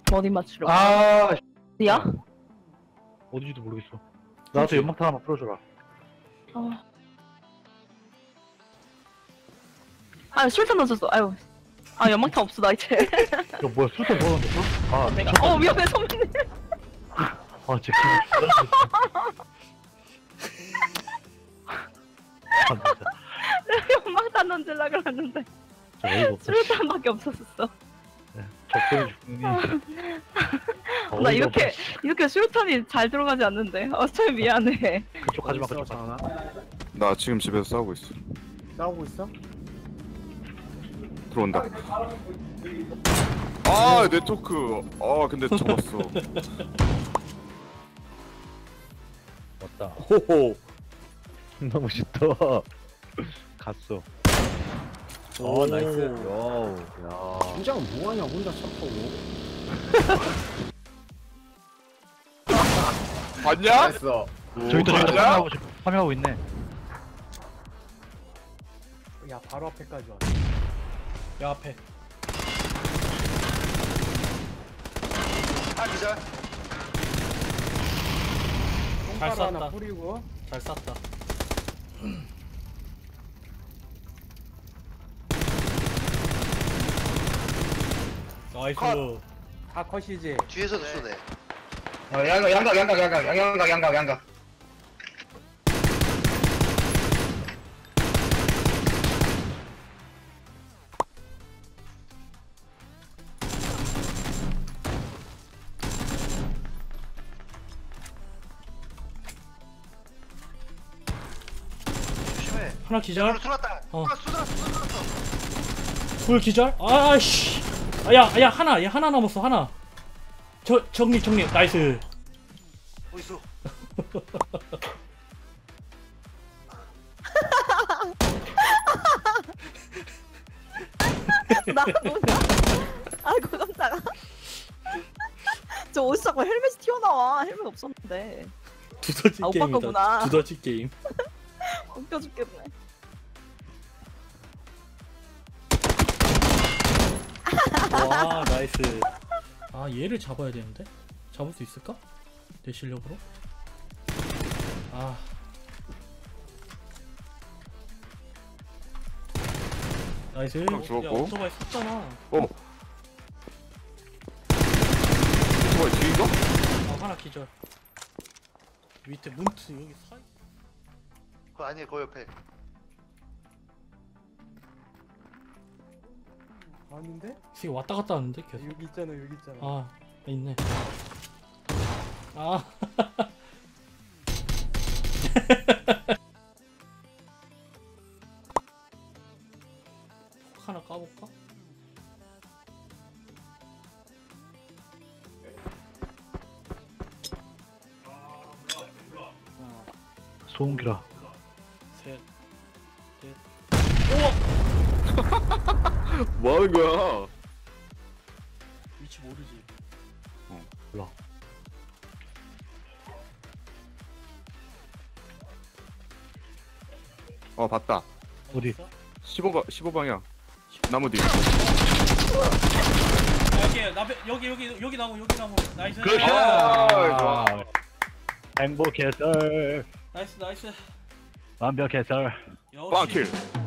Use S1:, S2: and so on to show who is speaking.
S1: 어디 맞추려?
S2: 아,
S1: 어디야?
S2: 어디지도 모르겠어. 나한테 연막탄 하나 풀어줘라.
S1: 아, 술탄 던졌어. 아유. 아, 연막탄 없어, 나 이제.
S2: 이거 뭐야, 술탄 넣었는데? 아,
S1: 내가. 위험해, 선배님.
S2: 아, 제 기분 아, 진짜.
S1: 연막탄 던질라 그랬는데.
S2: 진짜 어이가 없어.
S1: 술탄밖에 없었어.
S2: 네, 적당히 죽니.
S1: 나 이렇게 술탄이 잘 들어가지 않는데. 참 미안해.
S2: 그쪽 가지마, 그쪽 가지마.
S3: 나 지금 집에서 싸우고 있어.
S4: 싸우고 있어?
S3: 들어온다. 아 네트워크. 아 근데 접었어.
S2: 왔다.
S3: 호호.
S2: 너무 쉽다. 갔어.
S5: 오 나이스.
S2: 와우. 야.
S4: 팀장은 뭐하냐 혼자 샷하고.
S3: 봤냐?
S4: 잘했어.
S2: 저기도
S3: 맞아?
S2: 파밍하고 있네.
S4: 야 바로 앞에까지 왔어.
S5: 야 앞에.
S6: 아 기절.
S5: 잘
S4: 똥가루 하나
S5: 쐈다.
S4: 뿌리고.
S5: 잘 쐈다. 나이스.
S6: 컷.
S4: 다 컷이지.
S6: 뒤에서도 쏘네.
S7: 양각.
S6: 조심해.
S5: 하나 기절.
S6: 쏘았다.
S5: 어.
S6: 쏘았어.
S5: 둘 기절. 아씨. 야 하나. 얘 하나 남았어 하나. 정리 나이스.
S6: 어딨어?
S1: 나 뭐냐? 아이고, 깜짝아. 저 어디서 자꾸 헬멧이 튀어나와. 헬멧 없었는데.
S5: 두더지
S1: 아, 오빠
S5: 게임이다.
S1: 거구나.
S5: 두더지 게임.
S1: 웃겨 죽겠네.
S5: 와 나이스. 아 얘를 잡아야 되는데. 잡을 수 있을까? 내 실력으로? 아. 나이스.
S3: 죽었고.
S5: 야 오토바이 섰잖아.
S3: 어. 오토바이 뒤인가?
S5: 아 하나 기절. 밑에 문트 여기 사.
S6: 그거 아니야 그 옆에.
S4: 아닌데?
S5: 지금 왔다 갔다 하는데 계속.
S4: 여기 있잖아 여기 있잖아.
S5: 아 있네. 아. 폭 하나 까볼까?
S2: 소음기라.
S5: 셋. 넷.
S3: 뭐 하는 거야?
S5: 위치 모르지.
S2: 몰라.
S3: 봤다.
S2: 어디?
S3: 15방향. 나무 뒤.
S5: 여기 나무 나이스.
S2: 그렇지.
S3: 좋아.
S2: 행복했어.
S5: 나이스.
S2: 완벽했어.
S5: 역시.
S3: 빵킬.